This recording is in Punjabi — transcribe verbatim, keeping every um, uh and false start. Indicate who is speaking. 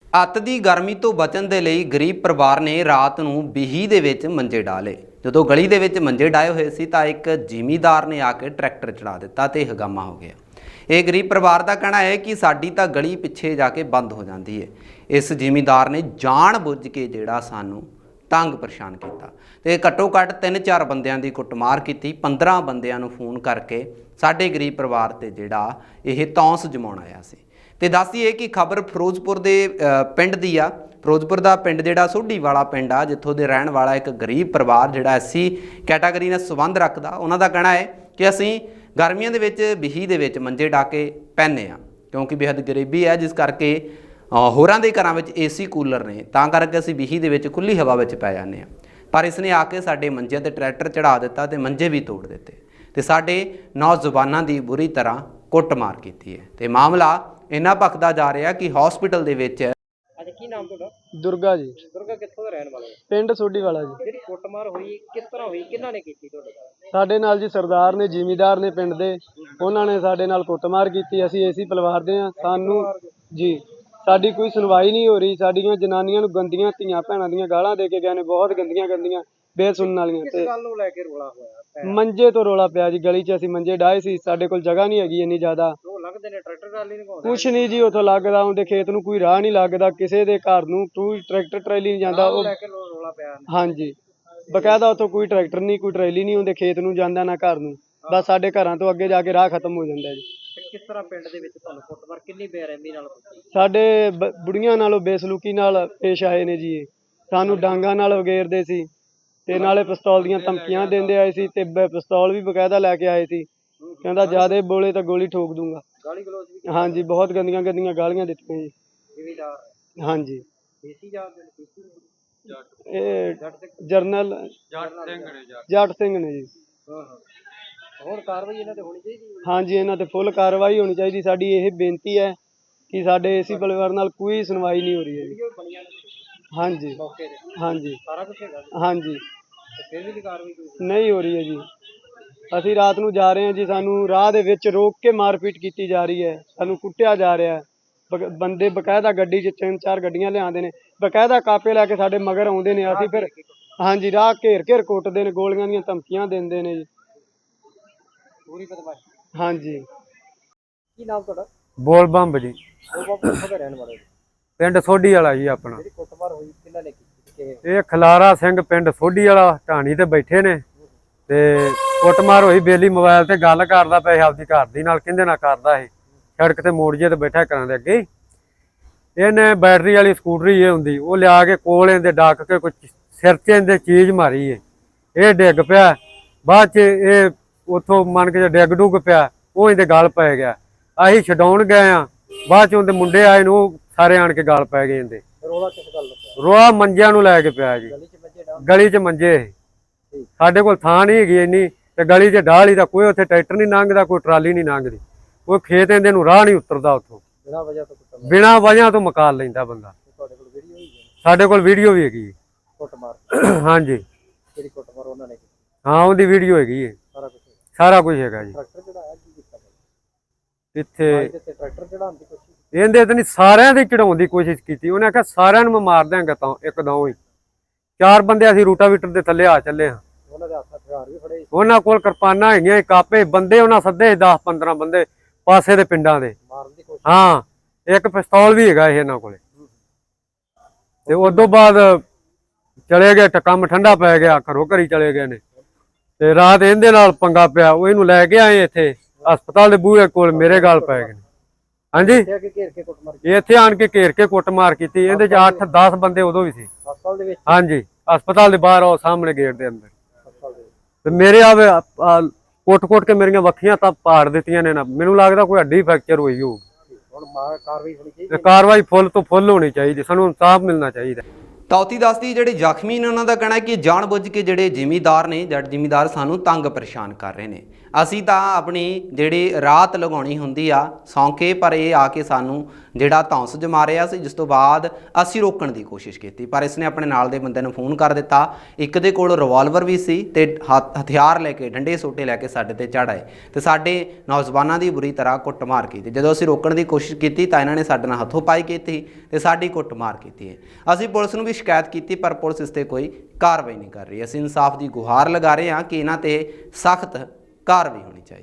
Speaker 1: ਅੱਤ ਦੀ ਗਰਮੀ ਤੋਂ ਬਚਣ ਦੇ ਲਈ ਗਰੀਬ ਪਰਿਵਾਰ ਨੇ ਰਾਤ ਨੂੰ ਬੀਹੀ ਦੇ ਵਿੱਚ ਮੰਜੇ ਡਾਲੇ। ਜਦੋਂ ਗਲੀ ਦੇ ਵਿੱਚ ਮੰਜੇ ਡਾਏ ਹੋਏ ਸੀ ਤਾਂ ਇੱਕ ਜ਼ਿਮੀਂਦਾਰ ਨੇ ਆ ਕੇ ਟਰੈਕਟਰ ਚੜਾ ਦਿੱਤਾ ਤੇ ਹੰਗਾਮਾ ਹੋ ਗਿਆ। ਇਹ ਗਰੀਬ ਪਰਿਵਾਰ ਦਾ ਕਹਿਣਾ ਹੈ ਕਿ ਸਾਡੀ ਤਾਂ ਗਲੀ ਪਿੱਛੇ ਜਾ ਕੇ ਬੰਦ ਹੋ ਜਾਂਦੀ ਹੈ। ਇਸ ਜ਼ਿਮੀਂਦਾਰ ਨੇ ਜਾਣ ਬੁੱਝ ਕੇ ਜਿਹੜਾ ਸਾਨੂੰ ਤੰਗ ਪਰੇਸ਼ਾਨ ਕੀਤਾ ਤੇ ਘੱਟੋ ਘੱਟ ਤਿੰਨ ਚਾਰ ਬੰਦਿਆਂ ਦੀ ਕੁੱਟਮਾਰ ਕੀਤੀ। ਪੰਦਰਾਂ ਬੰਦਿਆਂ ਨੂੰ ਫੋਨ ਕਰਕੇ ਸਾਡੇ ਗਰੀਬ ਪਰਿਵਾਰ ਤੇ ਜਿਹੜਾ ਇਹ ਤੌਂਸ ਜਮਾਉਣ ਆਇਆ ਸੀ। ਤੇ ਦੱਸਦੀਏ ਕਿ ਖਬਰ ਫਿਰੋਜ਼ਪੁਰ ਦੇ ਪਿੰਡ ਦੀ ਆ। ਫਿਰੋਜ਼ਪੁਰ ਦਾ ਪਿੰਡ ਜਿਹੜਾ ਸੋਢੀ ਵਾਲਾ ਪਿੰਡ ਆ, ਜਿੱਥੋਂ ਦੇ ਰਹਿਣ ਵਾਲਾ ਇੱਕ ਗਰੀਬ ਪਰਿਵਾਰ ਜਿਹੜਾ ਐਸੀ ਕੈਟਾਗਰੀ ਨਾਲ ਸੰਬੰਧ ਰੱਖਦਾ। ਉਹਨਾਂ ਦਾ ਕਹਿਣਾ ਹੈ ਕਿ ਅਸੀਂ ਗਰਮੀਆਂ ਦੇ ਵਿੱਚ ਬੀਹੀ ਦੇ ਵਿੱਚ ਮੰਜੇ ਡਾ ਕੇ ਪੈਂਦੇ ਆ, ਕਿਉਂਕਿ ਬੇਹੱਦ ਗਰੀਬੀ ਹੈ, ਜਿਸ ਕਰਕੇ ਹੋਰਾਂ ਦੇ ਘਰਾਂ ਵਿੱਚ ਏਸੀ ਕੂਲਰ ਨੇ, ਤਾਂ ਕਰਕੇ ਅਸੀਂ ਬੀਹੀ ਦੇ ਵਿੱਚ ਖੁੱਲ੍ਹੀ ਹਵਾ ਵਿੱਚ ਪੈ ਜਾਂਦੇ ਹਾਂ। ਪਰ ਇਸ ਨੇ ਆ ਕੇ ਸਾਡੇ ਮੰਜਿਆਂ 'ਤੇ ਟਰੈਕਟਰ ਚੜਾ ਦਿੱਤਾ ਤੇ ਮੰਜੇ ਵੀ ਤੋੜ ਦਿੱਤੇ ਤੇ ਸਾਡੇ ਨੌਜਵਾਨਾਂ ਦੀ ਬੁਰੀ ਤਰ੍ਹਾਂ ਕੁੱਟਮਾਰ ਕੀਤੀ ਹੈ। ਤੇ ਮਾਮਲਾ ਇੰਨਾ ਭਖਦਾ ਜਾ ਰਿਹਾ ਕਿ ਹਸਪੀਟਲ ਦੇ ਵਿੱਚ।
Speaker 2: ਅੱਛਾ, ਕੀ ਨਾਮ ਤੁਹਾਡਾ?
Speaker 3: ਦੁਰਗਾ ਜੀ।
Speaker 2: ਦੁਰਗਾ ਕਿੱਥੋਂ ਦਾ ਰਹਿਣ ਵਾਲਾ ਹੈ?
Speaker 3: ਪਿੰਡ ਸੋਢੀ ਵਾਲਾ ਜੀ।
Speaker 2: ਜਿਹੜੀ ਕੁੱਟਮਾਰ ਹੋਈ ਕਿਸ ਤਰ੍ਹਾਂ ਹੋਈ, ਕਿਹਨਾਂ ਨੇ ਕੀਤੀ ਤੁਹਾਡੇ ਨਾਲ?
Speaker 3: ਸਾਡੇ ਨਾਲ ਜੀ ਸਰਦਾਰ ਨੇ, ਜ਼ਿਮੀਂਦਾਰ ਨੇ ਪਿੰਡ ਦੇ, ਉਹਨਾਂ ਨੇ ਸਾਡੇ ਨਾਲ ਕੁੱਟਮਾਰ ਕੀਤੀ। ਅਸੀਂ ਏਸੀ ਪਰਿਵਾਰ ਦੇ ਹਾਂ। ਸਾਨੂੰ ਜੀ ਸਾਡੀ ਕੋਈ ਸੁਣਵਾਈ ਨਹੀਂ ਹੋ ਰਹੀ। ਸਾਡੀਆਂ ਜਨਾਨੀਆਂ ਨੂੰ ਗੰਦੀਆਂ ਧੀਆਂ ਭੈਣਾਂ ਦੀਆਂ ਗਾਲਾਂ ਦੇ ਕੇ ਗਏ ਨੇ, ਬਹੁਤ ਗੰਦੀਆਂ ਗੰਦੀਆਂ ਬੇਸੁਣਨ ਵਾਲੀਆਂ।
Speaker 2: ਕਿਸ ਗੱਲ ਨੂੰ ਲੈ ਕੇ ਰੋਲਾ ਹੋਇਆ?
Speaker 3: ਮੰਜੇ ਤੋਂ ਰੋਲਾ ਪਿਆ ਜੀ। ਗਲੀ 'ਚ ਅਸੀਂ ਮੰਜੇ ਡਾਏ ਸੀ, ਸਾਡੇ ਕੋਲ ਜਗ੍ਹਾ ਨਹੀਂ ਹੈਗੀ ਇੰਨੀ ਜ਼ਿਆਦਾ।
Speaker 2: ਉਹ ਲੱਗਦੇ ਨੇ ਟਰੈਕਟਰ ਟਰਾਲੀ ਨਹੀਂ ਘਾਉਂਦੇ?
Speaker 3: ਕੁਛ ਨਹੀਂ ਜੀ, ਉੱਥੋਂ ਲੱਗਦਾ ਉਹਦੇ ਖੇਤ ਨੂੰ ਕੋਈ ਰਾਹ ਨਹੀਂ ਲੱਗਦਾ, ਕਿਸੇ ਦੇ ਘਰ ਨੂੰ ਕੋਈ ਟਰੈਕਟਰ ਟਰੈਲੀ ਨਹੀਂ ਜਾਂਦਾ। ਉਹ
Speaker 2: ਲੈ ਕੇ ਰੋਲਾ ਪਿਆ?
Speaker 3: ਹਾਂਜੀ, ਬਕਾਇਦਾ ਉੱਥੋਂ ਕੋਈ ਟਰੈਕਟਰ ਨਹੀਂ, ਕੋਈ ਟਰੈਲੀ ਨਹੀਂ, ਉਹਦੇ ਖੇਤ ਨੂੰ ਜਾਂਦਾ ਨਾ ਘਰ ਨੂੰ। ਬਸ ਸਾਡੇ ਘਰਾਂ ਤੋਂ ਅੱਗੇ ਜਾ ਕੇ ਰਾਹ ਖਤਮ ਹੋ ਜਾਂਦਾ ਜੀ।
Speaker 2: ਕਿਸ ਤਰ੍ਹਾਂ ਪਿੰਡ ਦੇ ਵਿੱਚ ਤੁਹਾਨੂੰ ਕੁੱਟਮਾਰ ਕਿੰਨੀ ਬੇਰਹਿਮੀ ਨਾਲ ਹੋਈ?
Speaker 3: ਸਾਡੇ ਬੁੜੀਆਂ ਨਾਲੋਂ ਬੇਸਲੂਕੀ ਨਾਲ ਪੇਸ਼ ਆਏ ਨੇ ਜੀ। ਸਾਨੂੰ ਡਾਂਗਾਂ ਨਾਲ ਵਗੇਰਦੇ ਸੀ ਤੇ ਨਾਲੇ ਪਿਸਤੌਲ ਦੀਆਂ ਧਮਕੀਆਂ ਦਿੰਦੇ ਆਏ ਸੀ ਤੇ ਪਿਸਤੌਲ ਵੀ ਬਕਾਇਦਾ ਲੈ ਕੇ ਆਏ ਸੀ। ਕਹਿੰਦਾ ਜਿਆਦੇ ਬੋਲੇ ਤਾਂ ਗੋਲੀ ਠੋਕ ਦੂੰਗਾ।
Speaker 2: ਗਾਲੀ ਗਲੋਚ ਵੀ?
Speaker 3: ਹਾਂਜੀ, ਬਹੁਤ ਗੰਦੀਆਂ ਗੰਦੀਆਂ ਗਾਲੀਆਂ ਦਿੱਤੀਆਂ ਜੀ।
Speaker 2: ਜ਼ਿਮੀਂਦਾਰ? ਹਾਂਜੀ। ਦੇਸੀ ਜਾਤ ਦੇ?
Speaker 3: ਇਹ ਜਰਨਲ ਜੱਟ ਸਿੰਘ ਨੇ ਜੀ।
Speaker 2: ਹਾਂ ਹਾਂ। ਹੋਰ ਕਾਰਵਾਈ ਇਹਨਾਂ ਤੇ ਹੋਣੀ ਚਾਹੀਦੀ?
Speaker 3: ਹਾਂਜੀ, ਇਹਨਾਂ ਤੇ ਫੁੱਲ ਕਾਰਵਾਈ ਹੋਣੀ ਚਾਹੀਦੀ। ਸਾਡੀ ਇਹ ਬੇਨਤੀ ਹੈ ਕਿ ਸਾਡੇ ਏਸੀ ਪਰਿਵਾਰ ਨਾਲ ਕੋਈ ਸੁਣਵਾਈ ਨਹੀਂ ਹੋ ਰਹੀ ਹੈ ਜੀ। ਹਾਂਜੀ ਹਾਂਜੀ
Speaker 2: ਸਾਰਾ ਕੁਝ ਹੈਗਾ?
Speaker 3: ਹਾਂਜੀ।
Speaker 2: ਫਿਰ ਵੀ ਕਾਰਵਾਈ
Speaker 3: ਨਹੀਂ ਹੋ ਰਹੀ ਹੈ ਜੀ। ਅਸੀਂ ਰਾਤ ਨੂੰ ਜਾ ਰਹੇ ਹਾਂ ਜੀ, ਸਾਨੂੰ ਰਾਹ ਦੇ ਵਿੱਚ ਰੋਕ ਕੇ ਮਾਰਪੀਟ ਕੀਤੀ ਜਾ ਰਹੀ ਹੈ, ਸਾਨੂੰ ਕੁੱਟਿਆ ਜਾ ਰਿਹਾ ਹੈ। ਬੰਦੇ ਬਕਾਇਦਾ ਗੱਡੀ 'ਚ ਤਿੰਨ ਚਾਰ ਗੱਡੀਆਂ ਲਿਆਉਂਦੇ ਨੇ, ਬਕਾਇਦਾ ਕਾਪੇ ਲੈ ਕੇ ਸਾਡੇ ਮਗਰ ਆਉਂਦੇ ਨੇ। ਅਸੀਂ ਫਿਰ ਹਾਂਜੀ ਰਾਹ ਘੇਰ ਘੇਰ ਕੁੱਟਦੇ ਨੇ, ਗੋਲੀਆਂ ਦੀਆਂ ਧਮਕੀਆਂ ਦਿੰਦੇ ਨੇ ਜੀ।
Speaker 2: ਪੂਰੀ ਬਦਮਾਸ਼ੀ?
Speaker 3: ਹਾਂਜੀ।
Speaker 2: ਕੀ ਨਾਮ ਤੁਹਾਡਾ?
Speaker 3: ਬੋਲ ਬੰਬ ਜੀ।
Speaker 2: ਕਿੱਥੋਂ ਦੇ ਰਹਿਣ ਵਾਲੇ?
Speaker 3: ਪਿੰਡ ਸੋਢੀ ਵਾਲਾ ਜੀ ਆਪਣਾ।
Speaker 2: ਜਿਹੜੀ ਕੁੱਟਮਾਰ ਹੋਈ ਕਿਹਨਾਂ ਨੇ ਕੀਤੀ?
Speaker 3: ਇਹ ਖਲਾਰਾ ਸਿੰਘ ਪਿੰਡ ਸੋਢੀ ਵਾਲਾ ਢਾਣੀ ਤੇ ਬੈਠੇ ਨੇ ਤੇ ਕੁੱਟਮਾਰ ਹੋਈ। ਬੇਲੀ ਮੋਬਾਈਲ ਤੇ ਗੱਲ ਕਰਦਾ ਪਿਆ ਆਪਦੀ ਘਰ ਦੀ ਨਾਲ, ਕਹਿੰਦੇ ਨਾ ਕਰਦਾ ਇਹ ਸੜਕ ਤੇ ਮੋੜ ਜੇ ਤੇ ਬੈਠਾ ਘਰਾਂ ਦੇ ਅੱਗੇ। ਇਹਨੇ ਬੈਟਰੀ ਵਾਲੀ ਸਕੂਟਰੀ ਇਹ ਹੁੰਦੀ, ਉਹ ਲਿਆ ਕੇ ਕੋਲ ਇਹਦੇ ਡੱਕ ਕੇ ਕੁਝ ਸਿਰ 'ਚ ਇਹਦੇ ਚੀਜ਼ ਮਾਰੀ ਏ। ਇਹ ਡਿੱਗ ਪਿਆ। ਬਾਅਦ 'ਚ ਇਹ ਉੱਥੋਂ ਮੰਨ ਕੇ ਡਿੱਗ ਡੁੱਗ ਪਿਆ, ਉਹ ਇਹਦੇ ਗਲ ਪੈ ਗਿਆ। ਅਸੀਂ ਛਡਾਉਣ ਗਏ ਆ, ਬਾਅਦ 'ਚ ਉਹਦੇ ਮੁੰਡੇ ਆਏ ਨੂੰ ਉਹ ਸਾਰੇ ਆਣ ਕੇ ਗਲ ਪੈ ਗਏ ਇਹਦੇ।
Speaker 2: ਰੋਲਾ ਕਿਸ ਗੱਲ ਦਾ?
Speaker 3: ਰੋਲਾ ਮੰਜਿਆਂ ਨੂੰ ਲੈ ਕੇ ਪਿਆ ਜੀ।
Speaker 2: ਗਲੀ 'ਚ ਮੰਜੇ ਡਾਹ?
Speaker 3: ਗਲੀ 'ਚ ਮੰਜੇ। ਸਾਡੇ ਕੋਲ ਥਾਂ ਨਹੀਂ ਹੈਗੀ ਇੰਨੀ ਤੇ ਗਲੀ 'ਚ ਢਾਹ ਦਾ ਕੋਈ ਉੱਥੇ ਟਰੈਕਟਰ ਨਹੀਂ ਲੰਘਦਾ, ਕੋਈ ਟਰਾਲੀ ਨਹੀਂ ਲੰਘਦੀ, ਕੋਈ ਖੇਤ ਇਹਦੇ ਨੂੰ ਰਾਹ ਨਹੀਂ ਉਤਰਦਾ ਉੱਥੋਂ।
Speaker 2: ਬਿਨਾਂ ਵਜ੍ਹਾ ਤੋਂ ਕੁੱਟਮਾਰ?
Speaker 3: ਬਿਨਾਂ ਵਜ੍ਹਾ ਤੋਂ ਮਕਾਲ ਲੈਂਦਾ ਬੰਦਾ।
Speaker 2: ਤੁਹਾਡੇ ਕੋਲ ਵੀਡੀਓ ਹੋਈ ਹੈ?
Speaker 3: ਸਾਡੇ ਕੋਲ ਵੀਡੀਓ ਵੀ ਹੈਗੀ
Speaker 2: ਕੁੱਟਮਾਰ?
Speaker 3: ਹਾਂਜੀ।
Speaker 2: ਕਿਹੜੀ ਕੁੱਟਮਾਰ ਉਹਨਾਂ ਨੇ ਕੀਤੀ?
Speaker 3: ਹਾਂ, ਉਹਦੀ ਵੀਡੀਓ ਹੈਗੀ ਹੈ।
Speaker 2: ਸਾਰਾ ਕੁਝ? ਸਾਰਾ
Speaker 3: ਕੁਝ ਹੈਗਾ ਜੀ।
Speaker 2: ਟਰੈਕਟਰ ਚੜਾਇਆ? ਕੀ ਕੀਤਾ
Speaker 3: ਇੱਥੇ
Speaker 2: ਟਰੈਕਟਰ ਚੜਾਉਣ ਦੀ ਕੋਸ਼ਿਸ਼?
Speaker 3: ਇਹਦੇ ਤੇ ਨਹੀਂ, ਸਾਰਿਆਂ ਦੇ ਚੜਾਉਣ ਦੀ ਕੋਸ਼ਿਸ਼ ਕੀਤੀ। ਉਹਨੇ ਆਖਿਆ ਸਾਰਿਆਂ ਨੂੰ ਮੈਂ ਮਾਰ ਦਿਆਂਗਾ ਤਾਂ ਇੱਕਦਮ ਹੀ। ਚਾਰ ਬੰਦੇ ਅਸੀਂ ਰੂਟਾਵੀਟਰ ਦੇ ਥੱਲੇ ਆ ਚੱਲੇ ਹਾਂ।
Speaker 2: ਉਹਨਾਂ ਦੇ ਹੱਥ ਹਥਿਆਰ ਵੀ ਫੜੇ?
Speaker 3: ਉਹਨਾਂ ਕੋਲ ਕਿਰਪਾਨਾਂ ਹੈਗੀਆਂ, ਕਾਪੇ। ਬੰਦੇ ਉਹਨਾਂ ਸੱਦੇ ਦਸ ਪੰਦਰਾਂ ਬੰਦੇ ਪਾਸੇ ਦੇ ਪਿੰਡਾਂ ਦੇ।
Speaker 2: ਮਾਰਨ ਦੀ ਕੋਸ਼ਿਸ਼?
Speaker 3: ਹਾਂ, ਇੱਕ ਪਿਸਤੌਲ ਵੀ ਹੈਗਾ ਇਹਨਾਂ ਕੋਲੇ। ਤੇ ਉਸ ਤੋਂ ਬਾਅਦ ਚਲੇ ਗਏ, ਕੰਮ ਠੰਡਾ ਪੈ ਗਿਆ, ਘਰੋਂ ਘਰੀ ਚਲੇ ਗਏ ਨੇ। ਤੇ ਰਾਤ ਇਹਦੇ ਨਾਲ ਪੰਗਾ ਪਿਆ, ਉਹ ਇਹਨੂੰ ਲੈ ਕੇ ਆਏ ਇੱਥੇ ਹਸਪਤਾਲ ਦੇ ਬੂਹੇ ਕੋਲ, ਮੇਰੇ ਗਲ ਪੈ ਗਏ ਨੇ। ਹਾਂਜੀ, ਇੱਥੇ ਆਣ ਕੇ ਘੇਰ ਕੇ ਕੁੱਟਮਾਰ ਕੀਤੀ। ਇਹਦੇ ਚ ਅੱਠ ਦਸ ਬੰਦੇ ਉਦੋਂ ਵੀ ਸੀ
Speaker 2: ਹਸਪਤਾਲ ਦੇ ਵਿੱਚ?
Speaker 3: ਹਾਂਜੀ, ਹਸਪਤਾਲ ਦੇ ਬਾਹਰ ਉਹ ਸਾਹਮਣੇ ਗੇਟ ਦੇ ਅੰਦਰ। ਤੇ ਮੇਰੇ ਆਵੇ ਕੁੱਟ ਕੁੱਟ ਕੇ ਮੇਰੀਆਂ ਵੱਖੀਆਂ ਤਾਂ ਪਾੜ ਦਿੱਤੀਆਂ ਨੇ ਨਾ। ਮੈਨੂੰ ਲੱਗਦਾ ਕੋਈ ਹੱਡੀ ਫ੍ਰੈਕਚਰ ਹੋਈ ਹੋਊ।
Speaker 2: ਹੁਣ ਕਾਰਵਾਈ ਹੋਣੀ ਚਾਹੀਦੀ?
Speaker 3: ਕਾਰਵਾਈ ਫੁੱਲ ਤੋਂ ਫੁੱਲ ਹੋਣੀ ਚਾਹੀਦੀ, ਸਾਨੂੰ ਇਨਸਾਫ ਮਿਲਣਾ ਚਾਹੀਦਾ।
Speaker 1: ਤੌਤੀ ਦੱਸਦੀ ਜਿਹੜੇ ਜ਼ਖਮੀ ਨੇ ਉਹਨਾਂ ਦਾ ਕਹਿਣਾ ਹੈ ਕਿ ਜਾਣ ਬੁੱਝ ਕੇ ਜਿਹੜੇ ਜ਼ਿਮੀਂਦਾਰ ਨੇ, ਜੱਟ ਜ਼ਿਮੀਂਦਾਰ ਸਾਨੂੰ ਤੰਗ ਪਰੇਸ਼ਾਨ ਕਰ ਰਹੇ ਨੇ। ਅਸੀਂ ਤਾਂ ਆਪਣੀ ਜਿਹੜੀ ਰਾਤ ਲਗਾਉਣੀ ਹੁੰਦੀ ਆ ਸੌਂਕੇ, ਪਰ ਇਹ ਆ ਕੇ ਸਾਨੂੰ ਜਿਹੜਾ ਧੌਂਸ ਜਮਾ ਰਿਹਾ ਸੀ, ਜਿਸ ਤੋਂ ਬਾਅਦ ਅਸੀਂ ਰੋਕਣ ਦੀ ਕੋਸ਼ਿਸ਼ ਕੀਤੀ, ਪਰ ਇਸਨੇ ਆਪਣੇ ਨਾਲ ਦੇ ਬੰਦੇ ਨੂੰ ਫੋਨ ਕਰ ਦਿੱਤਾ। ਇੱਕ ਦੇ ਕੋਲ ਰਿਵਾਲਵਰ ਵੀ ਸੀ ਤੇ ਹੱਥ ਹਥਿਆਰ ਲੈ ਕੇ, ਡੰਡੇ ਸੋਟੇ ਲੈ ਕੇ ਸਾਡੇ ਤੇ ਚੜ੍ਹ ਆਏ ਤੇ ਸਾਡੇ ਨੌਜਵਾਨਾਂ ਦੀ ਬੁਰੀ ਤਰ੍ਹਾਂ ਕੁੱਟਮਾਰ ਕੀਤੀ। ਜਦੋਂ ਅਸੀਂ ਰੋਕਣ ਦੀ ਕੋਸ਼ਿਸ਼ ਕੀਤੀ ਤਾਂ ਇਹਨਾਂ ਨੇ ਸਾਡੇ ਨਾਲ ਹੱਥੋਂ ਪਾਈ ਕੀਤੀ ਤੇ ਸਾਡੀ ਕੁੱਟਮਾਰ ਕੀਤੀ ਹੈ। ਅਸੀਂ ਪੁਲਿਸ ਨੂੰ ਵੀ ਸ਼ਿਕਾਇਤ ਕੀਤੀ, ਪਰ ਪੁਲਿਸ ਇਸ ਤੇ ਕੋਈ ਕਾਰਵਾਈ ਨਹੀਂ ਕਰ ਰਹੀ। ਅਸੀਂ ਇਨਸਾਫ ਦੀ ਗੁਹਾਰ ਲਗਾ ਰਹੇ ਹਾਂ ਕਿ ਇਹਨਾਂ ਤੇ ਸਖਤ ਕਾਰਵਾਈ ਹੋਣੀ ਚਾਹੀਦੀ।